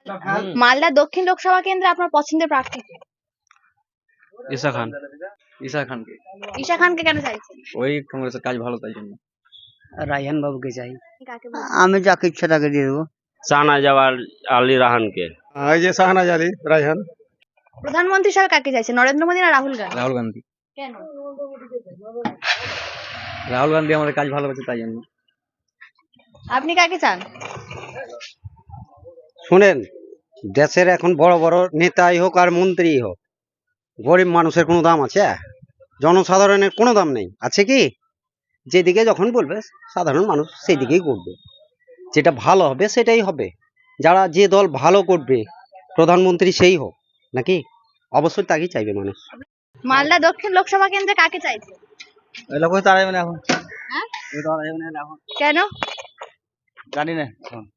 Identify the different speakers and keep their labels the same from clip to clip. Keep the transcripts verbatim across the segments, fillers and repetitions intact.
Speaker 1: মালদা দক্ষিণ লোকসভা কেন্দ্রে আপনার পছন্দের প্রার্থী কে?
Speaker 2: ঈশা খান। ঈশা খানকে।
Speaker 1: ঈশা খানকে কেন চাইছেন?
Speaker 2: ওই কংগ্রেসের কাজ ভালো তাই জন্য।
Speaker 3: রায়হান বাবুকে চাই।
Speaker 1: কাকে বলবেন?
Speaker 3: আমি যাকে ইচ্ছা তাকে দিয়ে দেবো।
Speaker 4: শাহনাজ আলী রাহানকে।
Speaker 5: এই যে শাহনাজ আলী রায়হান।
Speaker 1: প্রধানমন্ত্রী হিসেবে কাকে চাইছেন, নরেন্দ্র মোদী না রাহুল গান্ধী?
Speaker 2: রাহুল গান্ধী।
Speaker 1: কেন?
Speaker 2: রাহুল গান্ধী আমাদের কাজ ভালো করছে তাই জন্য।
Speaker 1: আপনি কাকে চান?
Speaker 3: শুনেন, দেশের এখন বড় বড় নেতাই হোক আর মন্ত্রী হোক, গরিব মানুষের কোনো দাম আছে? জনসাধারণের কোনো দাম নেই, আছে কি? যেদিকে যখন বলবে সাধারণ মানুষ সেই দিকেই করবে, যেটা ভালো হবে সেটাই হবে। যারা যে দল ভালো করবে প্রধানমন্ত্রী সেই হোক, নাকি অবশ্যই তাকেই চাইবে মানুষ।
Speaker 1: মালদা দক্ষিণ লোকসভা কেন্দ্রে কাকে চাইছেন?
Speaker 2: এখন
Speaker 1: হ্যাঁ? কেন?
Speaker 2: জানি না।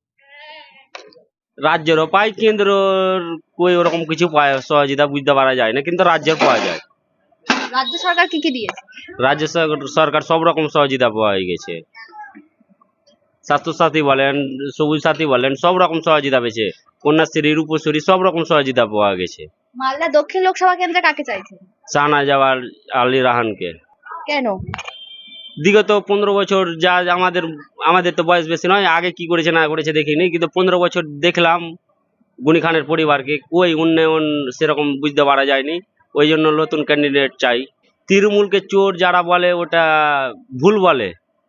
Speaker 4: রাজ্যেরও পায়, কেন্দ্রের কই ওরকম কিছু পায় সহযোগিতা বুঝতে পারা যায় না, কিন্তু রাজ্যের পাওয়া যায়।
Speaker 1: রাজ্য সরকার কি কি দিয়েছে?
Speaker 4: রাজ্য সর- সরকার সব রকম সহযোগিতা পাওয়া গেছে। স্বাস্থ্য সাথী বলেন, সবুজ সাথী বলেন, সব রকম সহযোগিতা পেয়েছে। কন্যাশ্রী, রূপশ্রী সব রকম সহযোগিতা পাওয়া গেছে।
Speaker 1: মালদা দক্ষিণ লোকসভা কেন্দ্রে কাকে চাইছেন?
Speaker 4: শাহনাজ আলী রাহানকে।
Speaker 1: কেন?
Speaker 4: বিগত পনেরো বছর যা আমাদের আমাদের তো বয়স বেশি নয়, আগে কি করেছে না করেছে দেখিনি, কিন্তু পনেরো বছর দেখলাম গনি খানের পরিবারকে কই উন্নয়ন সেরকম বুঝতে পারা যায়নি। ওই জন্য নতুন ক্যান্ডিডেট চাই। তৃণমূলকে চোর যারা বলে ওটা ভুল বলে।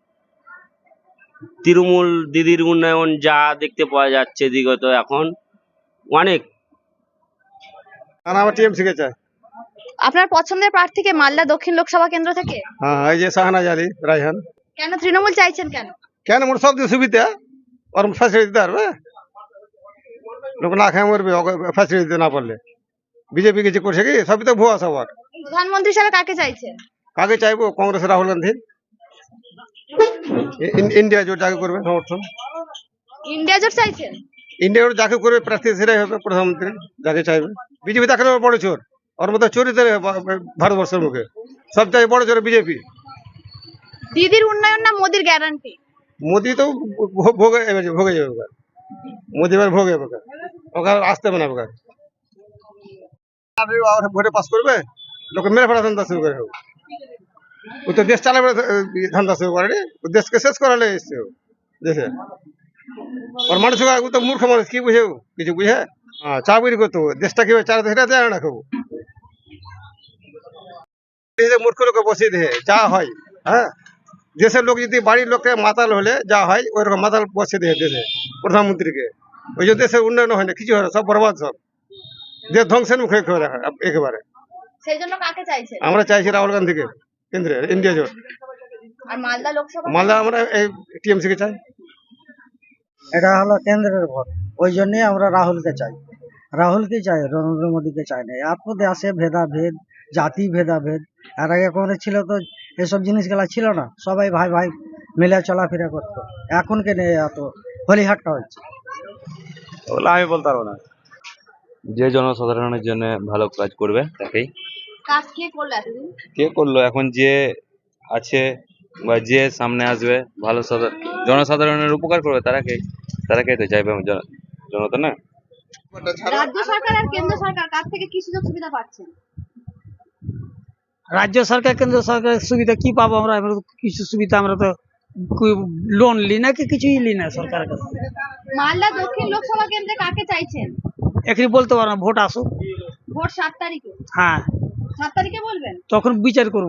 Speaker 4: তৃণমূল দিদির উন্নয়ন যা দেখতে পাওয়া যাচ্ছে বিগত এখন অনেক।
Speaker 5: আমার টিএমসি কে চাই।
Speaker 1: আপনার পছন্দের প্রার্থীকে মালদা দক্ষিণ লোকসভা কেন্দ্র থেকে?
Speaker 5: হ্যাঁ, এই যে শাহনাজ আলী রায়হান।
Speaker 1: কেন তৃণমূল চাইছেন কেন?
Speaker 5: কেন মোর সব দিয়ে সুবিধা ওর ফ্যাসিলিটি দিতে পারবে, লোক না খায় মরবে ফ্যাসিলিটি দিতে না পারলে। বিজেপি কিছু করছে কি? সবই তো ভুয়া সবার।
Speaker 1: প্রধানমন্ত্রী হিসেবে কাকে চাইছেন?
Speaker 5: কাকে চাইবো? কংগ্রেসের রাহুল গান্ধী। ইন- ইন্ডিয়া জোট যাকে করবে সমর্থন,
Speaker 1: ইন্ডিয়া জোট চাইছেন?
Speaker 5: ইন্ডিয়া জোট যাকে করবে প্রার্থী সেটাই হবে প্রধানমন্ত্রী, যাকে চাইবে। বিজেপি দেখালে বড় চোর, ওর মতো চোরই তো ভারতবর্ষের মুখে সব চাই বড় চোর বিজেপি।
Speaker 1: দিদির উন্নয়ন না মোদির গ্যারান্টি?
Speaker 5: মোদি তো ভো- ভোগে এবার ভোগে যাবে ওখানে। মোদি এবার ভোগে ওখানে, ওখানে আসতে হবে না ওখানে। আর ভোটে পাস করবে, লোকে মেরে ফেলা ধান্দা শুরু করে। ও তো দেশ চালাবে ধান্দা শুরু করে, ও দেশকে শেষ করালে এসছে ও দেশে। ওর মানুষ ও তো মূর্খ মানুষ, কি বুঝে ও? কিছু বুঝে? হ্যাঁ, চাকরি করতো, দেশটা কিভাবে চালাতে সেটা জানে না কেউ। দেশে মূর্খ লোকে বসিয়ে দেয় যা হয়। হ্যাঁ, দেশের লোক যদি বাড়ির লোককে মাতাল হলে যা হয় ওই রকম মাতাল বসিয়ে দেয় দেশে প্রধানমন্ত্রীকে। ওই জন্য দেশের উন্নয়ন হয় না, কিছু হয় না, সব বরবাদ সব। দেশ ধ্বংসের মুখে একেবারে।
Speaker 1: সেই জন্য কাকে চাইছেন?
Speaker 5: আমরা চাইছি রাহুল গান্ধীকে কেন্দ্রে, ইন্ডিয়া জোট।
Speaker 1: আর মালদা লোকসভা?
Speaker 5: মালদা আমরা এই টিএমসি কে চাই।
Speaker 3: এটা হলো কেন্দ্রের ভোট, ওই জন্যই আমরা রাহুলকে চাই। রাহুলকে চাই, নরেন্দ্র মোদীকে চাই না। এত দেশে ভেদাভেদ, জাতি ভেদাভেদ, এর আগে কোনো ছিল তো এসব জিনিসগুলা ছিল না, সবাই ভাই ভাই মিলে চলাফেরা করতো। এখন কেন এত হলিহাট্টা হচ্ছে?
Speaker 2: ওগুলো আমি বলতে পারবো না। যে জনসাধারণের জন্য ভালো কাজ করবে তাকেই।
Speaker 1: কাজ কে করলো এতদিন?
Speaker 2: কে করলো? এখন যে আছে বা যে সামনে আসবে ভালো সাধারণ জনসাধারণের উপকার করবে তারাকে তারাকেই তো চাইবে জন- জনতা না।
Speaker 1: রাজ্য সরকার আর কেন্দ্র সরকার কার থেকে কি সুযোগ সুবিধা পাচ্ছেন?
Speaker 6: রাজ্য সরকার কেন্দ্র সরকারের সুবিধা কি পাবো আমরা? আমরা তো কিছু সুবিধা আমরা তো লোন লি না, কি কিছুই লি না সরকারের কাছে।
Speaker 1: মালদা দক্ষিণ লোকসভা কেন্দ্রে কাকে চাইছেন?
Speaker 6: এখনই বলতে পারো না, ভোট আসুক।
Speaker 1: ভোট সাত তারিখে?
Speaker 6: হ্যাঁ,
Speaker 1: সাত তারিখে বলবেন?
Speaker 6: তখন বিচার করব।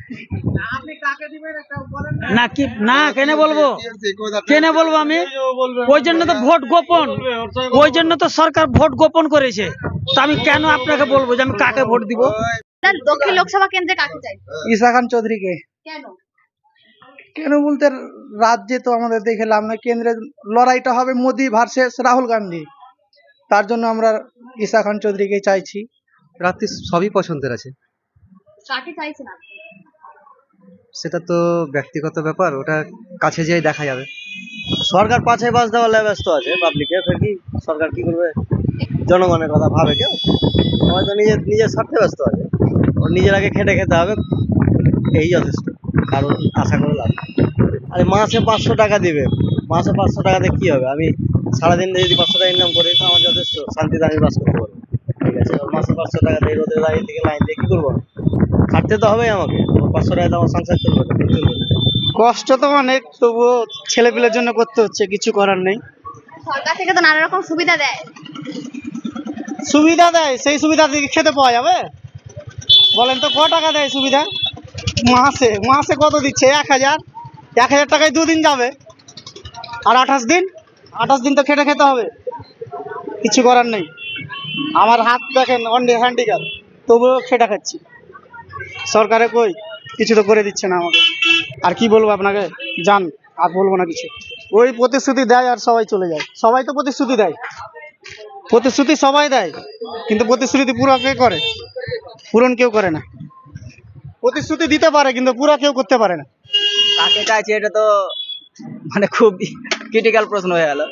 Speaker 6: না কি না কেন বলবো, কেন বলবো আমি? ওই জন্য তো ভোট গোপন, ওই জন্য তো সরকার ভোট গোপন করেছে। তো আমি কেন আপনাকে বলবো যে আমি কাকে ভোট দিব?
Speaker 1: দক্ষিণ লোকসভা কেন্দ্রে কাকে চাইছেন?
Speaker 3: ঈশা খান চৌধুরীকে।
Speaker 1: কেন?
Speaker 3: কেন বলতে, রাজ্যে তো আমাদের দেখলাম না, কেন্দ্রের লড়াইটা হবে মোদি ভার্সেস রাহুল গান্ধী, তার জন্য আমরা ঈশা খান চৌধুরীকে চাইছি।
Speaker 7: প্রার্থী সবই পছন্দের আছে,
Speaker 1: কাকে চাইছেন আপনি?
Speaker 7: সেটা তো ব্যক্তিগত ব্যাপার, ওটা কাছে যেয়ে দেখা যাবে।
Speaker 3: সরকার পাছে বাস দেওয়ার ব্যস্ত আছে পাবলিকে, ফের কি সরকার কি করবে? জনগণের কথা ভাবে কেউ? হয়তো নিজের নিজের স্বার্থে ব্যস্ত আছে, ওর নিজের আগে খেটে খেতে হবে, এই যথেষ্ট, কারণ আশা করে লাভ নেই। আরে মাসে পাঁচশো টাকা দিবে, মাসে পাঁচশো টাকাতে কি হবে? আমি সারাদিন যদি পাঁচশো টাকা ইনকাম করি তো আমার যথেষ্ট।
Speaker 8: শান্তিতে আমি বাস করতে পারবো। ঠিক আছে, মাসে পাঁচশো টাকা দিয়ে রোদে দাঁড়িয়ে থেকে লাইন দিয়ে কি করবো? খাটতে তো হবেই আমাকে, পাঁচশো টাকা তো আমার সংসার চলবে না, চলবে না।
Speaker 6: কষ্ট তো অনেক, তবুও ছেলেপিলের জন্য করতে হচ্ছে, কিছু করার নেই।
Speaker 1: সরকার থেকে তো নানা রকম সুবিধা দেয়।
Speaker 6: সুবিধা দেয়, সেই সুবিধা থেকে খেতে পাওয়া যাবে? বলেন তো, ক টাকা দেয় সুবিধা মাসে? মাসে কত দিচ্ছে? এক হাজার এক হাজার টাকায় দুদিন যাবে, আর আঠাশ দিন আঠাশ দিন তো খেটে খেতে হবে, কিছু করার নেই। আমার হাত দেখেন অন্ডে হ্যান্ডিক্যাপ, তবুও খেটে খাচ্ছি। সরকারে কই কিছু তো করে দিচ্ছে না আমাকে। আর কি বলবো আপনাকে, যান, আর বলবো না কিছু। ওই প্রতিশ্রুতি দেয় আর সবাই চলে যায়। সবাই তো প্রতিশ্রুতি দেয়, প্রতিশ্রুতি সবাই দেয়, কিন্তু প্রতিশ্রুতি পুরো কে করে? পূরণ কেউ করে না। প্রতিশ্রুতি দিতে পারে কিন্তু পুরো কেউ করতে পারে না।
Speaker 8: কাকে চাইছে এটা তো মানে খুব ক্রিটিক্যাল প্রশ্ন হয়ে গেল।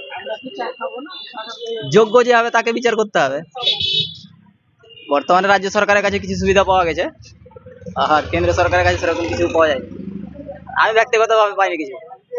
Speaker 8: যোগ্য যে হবে তাকে বিচার করতে হবে। বর্তমানে রাজ্য সরকারের কাছে কিছু সুবিধা পাওয়া গেছে, আর কেন্দ্র সরকারের কাছে সেরকম কিছু পাওয়া যায়। আমি ব্যক্তিগতভাবে পাইনি কিছু।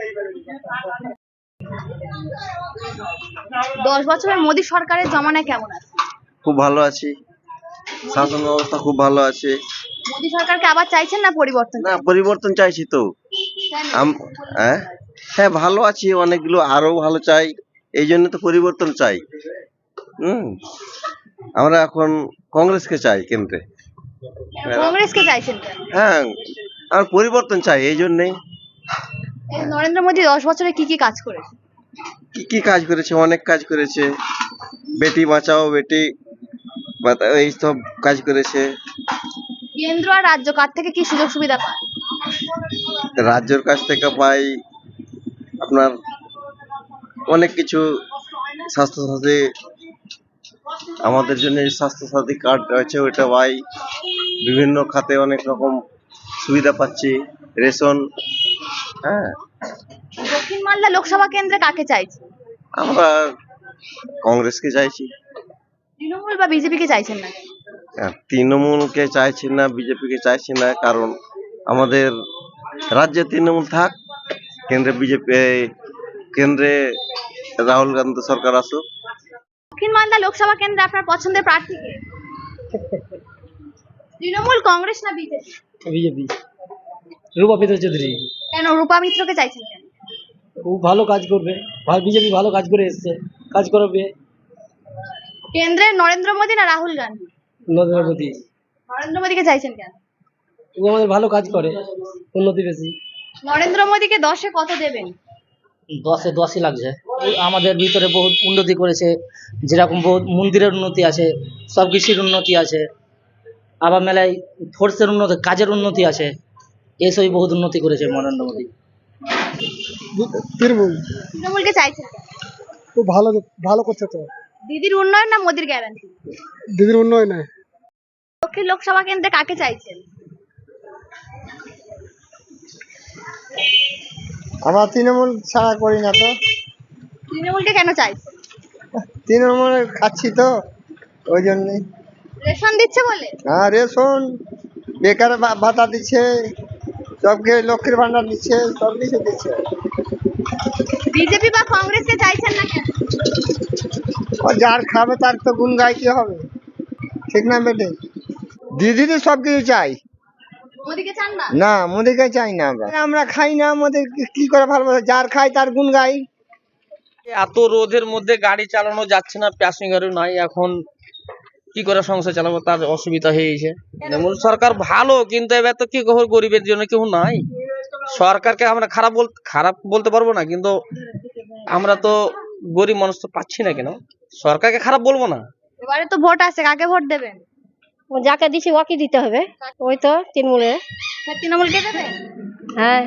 Speaker 1: দশ বছরের মোদী সরকারের জমানায় কেমন আছে?
Speaker 9: খুব ভালো আছি, শাসন ব্যবস্থা খুব ভালো আছে।
Speaker 1: মোদী সরকারকে আবার চাইছেন না পরিবর্তন?
Speaker 9: না, পরিবর্তন চাইছি তো।
Speaker 1: কেন?
Speaker 9: আম- হ্যাঁ হ্যাঁ ভালো আছি, অনেকগুলো আরো ভালো চাই, এই জন্য তো পরিবর্তন চাই। হুম আমরা এখন কংগ্রেসকে চাই কেন্দ্রে।
Speaker 1: কংগ্রেসকে চাইছেন কেন?
Speaker 9: হ্যাঁ, আমরা পরিবর্তন চাই এই জন্যেই।
Speaker 1: এই নরেন্দ্র মোদী দশ বছরে কি কি কাজ করেছে?
Speaker 9: কি কি কাজ করেছে? অনেক কাজ করেছে। বেটি বাঁচাও, বেটি বাঁচাও, এই সব কাজ করেছে।
Speaker 1: কেন্দ্র আর রাজ্য কার থেকে কি সুযোগ সুবিধা পায়?
Speaker 9: রাজ্যের কাছ থেকে পাই আপনার অনেক কিছু, স্বাস্থ্যসাথী, আমাদের জন্য স্বাস্থ্যসাথী কার্ড আছে, ওইটা পাই। বিভিন্ন খাতে অনেক রকম সুবিধা পাচ্ছি, রেশন। হ্যাঁ,
Speaker 1: দক্ষিণ মালদা লোকসভা কেন্দ্রে কাকে চাইছে?
Speaker 9: আমরা কংগ্রেসকে চাইছি।
Speaker 1: তৃণমূল বা বিজেপি কে চাইছেন না?
Speaker 9: আর তৃণমূলকে চাইছি না, বিজেপিকে চাইছি না, কারণ আমাদের রাজ্যে তৃণমূল থাক, কেন্দ্রে বিজেপি, কেন্দ্রে রাহুল গান্ধী সরকার আসুক।
Speaker 1: দক্ষিণ মালদা লোকসভা কেন্দ্রে আপনার পছন্দের প্রার্থী কে? তৃণমূল, কংগ্রেস না বিজেপি?
Speaker 6: বিজেপি, রূপাপিতা চৌধুরী।
Speaker 1: কেন রূপা মিত্রকে চাইছেন কেন?
Speaker 6: ও ভালো কাজ করবে, বিজেপি ভালো কাজ করে এসছে, কাজ করবে।
Speaker 1: কেন্দ্রে নরেন্দ্র মোদী না রাহুল গান্ধী?
Speaker 6: নরেন্দ্র মোদী।
Speaker 1: নরেন্দ্র মোদীকে চাইছেন কেন?
Speaker 6: ও আমাদের ভালো কাজ করে, উন্নতি বেশি।
Speaker 1: নরেন্দ্র মোদীকে দশে কত দেবেন?
Speaker 10: দশে দশই লাগছে। ও আমাদের ভিতরে বহুত উন্নতি করেছে, যেরকম বহুত মন্দিরের উন্নতি আছে, সব কিছুর উন্নতি আছে, আবার মেলায় ফোর্সের উন্নতি, কাজের উন্নতি আছে, এসবই বহুত উন্নতি করেছে নরেন্দ্র মোদী।
Speaker 6: তৃণমূল।
Speaker 1: তৃণমূলকে চাইছেন কেন?
Speaker 6: ও ভালো ভালো করছে তো।
Speaker 1: দিদির উন্নয়ন না মোদীর গ্যারান্টি?
Speaker 6: দিদির উন্নয়নে।
Speaker 1: দক্ষিণ লোকসভা কেন্দ্রে কাকে চাইছেন?
Speaker 5: আমার তৃণমূল ছাড়া করি না তো।
Speaker 1: তৃণমূলকে কেন চাইছেন?
Speaker 5: তৃণমূল খাচ্ছি তো, ওই জন্যই।
Speaker 1: রেশন দিচ্ছে বলে?
Speaker 5: হ্যাঁ, রেশন, বেকার ভা- ভাতা দিচ্ছে, সবকে লক্ষ্মীর ভান্ডার দিচ্ছে, সব কিছু দিচ্ছে।
Speaker 1: বিজেপি বা কংগ্রেসকে চাইছেন না কেন?
Speaker 5: ও যার খাবে তার তো গুণ গাইতে হবে, ঠিক না বেটে? দিদি তো সব কিছু চাই
Speaker 1: মোদীকে চান না?
Speaker 5: না, মোদিকে চাই না। আমরা আমরা খাই না, মোদি কি করে ভালোবাসে? যার খাই তার গুণ গাই।
Speaker 8: এত রোদের মধ্যে গাড়ি চালানো যাচ্ছে না, প্যাসেঞ্জারও নাই, এখন কি করে সংসার চালাবো, তার অসুবিধা হয়ে গেছে। তৃণমূল সরকার ভালো, কিন্তু এবার তো কি খবর, গরিবের জন্য কেউ নাই। সরকারকে আমরা খারাপ বল খারাপ বলতে পারবো না, কিন্তু আমরা তো গরিব মানুষ তো পাচ্ছি না, কেন সরকারকে খারাপ বলবো না।
Speaker 1: এবারে তো ভোট আছে, কাকে ভোট দেবেন?
Speaker 11: যাকে দিছি ওকে দিতে হবে, ওই তো তৃণমূলে।
Speaker 1: তৃণমূলকে দেবেন?
Speaker 11: হ্যাঁ,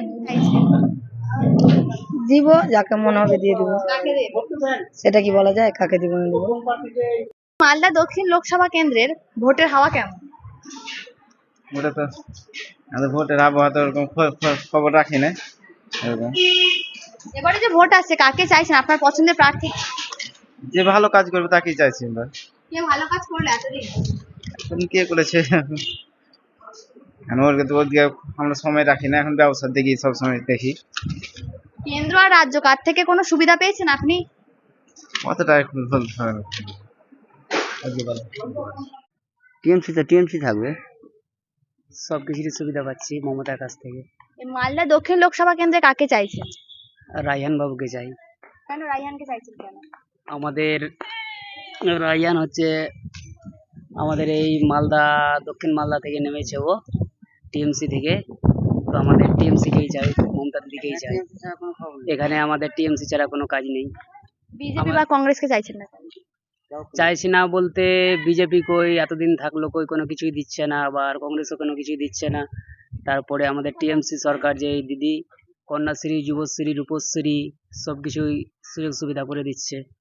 Speaker 11: দিব, যাকে মনে হবে দিয়ে দিব।
Speaker 1: কাকে দেবেন?
Speaker 11: সেটা কি বলা যায়, কাকে দিব না দিব?
Speaker 1: মালদা দক্ষিণ লোকসভা কেন্দ্রের ভোটের হাওয়া কেমন?
Speaker 12: ওটা তো আমাদের ভোটের আবহাওয়া তো ওরকম খ- খ- খবর রাখি না এরকম।
Speaker 1: এবারে যে ভোট আছে, কাকে চাইছেন? আপনার পছন্দের প্রার্থী কে?
Speaker 12: যে ভালো কাজ করবে তাকেই চাইছি আমরা।
Speaker 1: কে ভালো কাজ করলে এতদিন?
Speaker 12: এখন কে করেছে এখন ওর তো ওদিকে আমরা সময় রাখি না, এখন ব্যবসার দিকে সব সময় দেখি।
Speaker 1: কেন্দ্র আর রাজ্য কার থেকে কোনো সুবিধা পেয়েছেন আপনি?
Speaker 12: অতটা এখন বলতে পারবো না।
Speaker 3: টিএমসি তো টিএমসি থাকবে, সব কিছুরই সুবিধা পাচ্ছি মমতার কাছ থেকে।
Speaker 1: এই মালদা দক্ষিণ লোকসভা কেন্দ্রে কাকে চাইছেন?
Speaker 3: রায়হান বাবুকে চাই।
Speaker 1: কেন রায়হানকে চাইছেন কেন?
Speaker 3: আমাদের রায়হান হচ্ছে আমাদের এই মালদা দক্ষিণ মালদা থেকে নেমেছে, ও টিএমসি থেকে, তো আমাদের টিএমসিকেই চাই, মমতার দিকেই চাই। এখানে আমাদের টিএমসি ছাড়া কোনো কাজ নেই।
Speaker 1: বিজেপি বা কংগ্রেসকে চাইছেন না কেন?
Speaker 3: চাইছি না বলতে বিজেপি কই এতদিন থাকলো, কই কোনো কিছুই দিচ্ছে না, আবার কংগ্রেসও কোনো কিছুই দিচ্ছে না। তারপরে আমাদের টিএমসি সরকার যে এই দিদি কন্যাশ্রী, যুবশ্রী, রূপশ্রী সব কিছুই সুযোগ সুবিধা করে দিচ্ছে।